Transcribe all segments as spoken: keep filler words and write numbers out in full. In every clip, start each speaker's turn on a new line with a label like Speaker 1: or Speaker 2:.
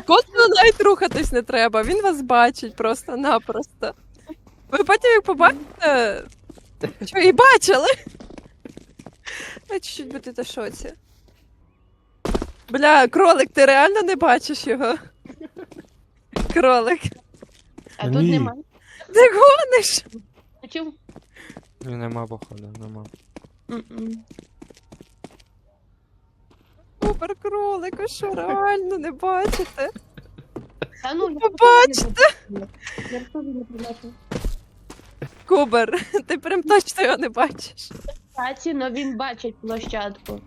Speaker 1: Космону навіть рухатись не треба, він вас бачить просто-напросто. Ви потім як побачите... Що, і бачили? Я чуть-чуть будете в шоці. Бля, кролик, ти реально не бачиш його? Кролик.
Speaker 2: А
Speaker 3: Ні.
Speaker 2: тут нема.
Speaker 1: Ти гониш?
Speaker 2: А чому?
Speaker 3: Ні, нема, походу, нема.
Speaker 2: М-м.
Speaker 1: Супер кролик, ви що, реально не бачите?
Speaker 2: Та ну, я
Speaker 1: Побачите?
Speaker 2: Я теж не побачив.
Speaker 1: Кубер, ти прям точно його не бачиш.
Speaker 2: Кстати, но він бачить площадку.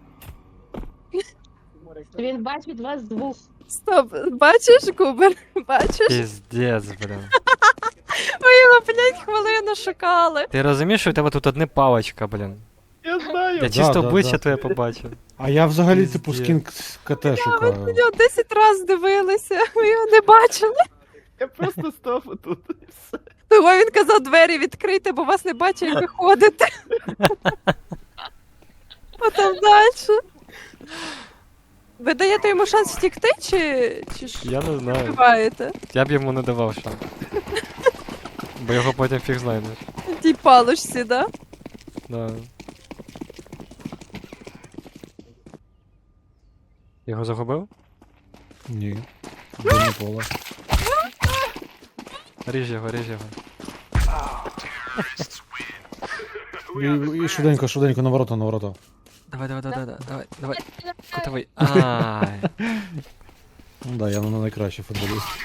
Speaker 2: Він бачить вас двох.
Speaker 1: Стоп, бачиш, Кубер? Бачиш?
Speaker 3: Піздець, блін.
Speaker 1: Ви його п'ять хвилин шукали.
Speaker 3: Ти розумієш, що у тебе тут одне палочка, блін?
Speaker 4: Я знаю.
Speaker 3: Я чисто
Speaker 4: да,
Speaker 3: обличчя
Speaker 4: да.
Speaker 3: твоє побачив.
Speaker 4: А я взагалі, типу,
Speaker 3: Пиздец.
Speaker 4: скін КТ
Speaker 1: Ви
Speaker 4: шукаю.
Speaker 1: на нього десять разів дивилися, ви його не бачили.
Speaker 5: Я просто став отут. і все.
Speaker 1: Того він казав двері відкрити, бо вас не бачить, як ви ходите. Потім далі. Ви даєте йому шанс втікти, чи, чи ж
Speaker 3: Я не знаю.
Speaker 1: вбиваєте?
Speaker 3: Я б йому не давав шанс. Бо його потім фіг знайдеш.
Speaker 1: В тій палочці, да?
Speaker 3: Да. Його загубив?
Speaker 4: Ні. Дивне поле.
Speaker 3: Ріж його, ріж його.
Speaker 4: І, і швиденько, швиденько, на ворота, на ворота.
Speaker 3: Давай, давай, давай, давай, давай, давай. Котовий. Ай.
Speaker 4: Ну да, я не найкращий футболіст.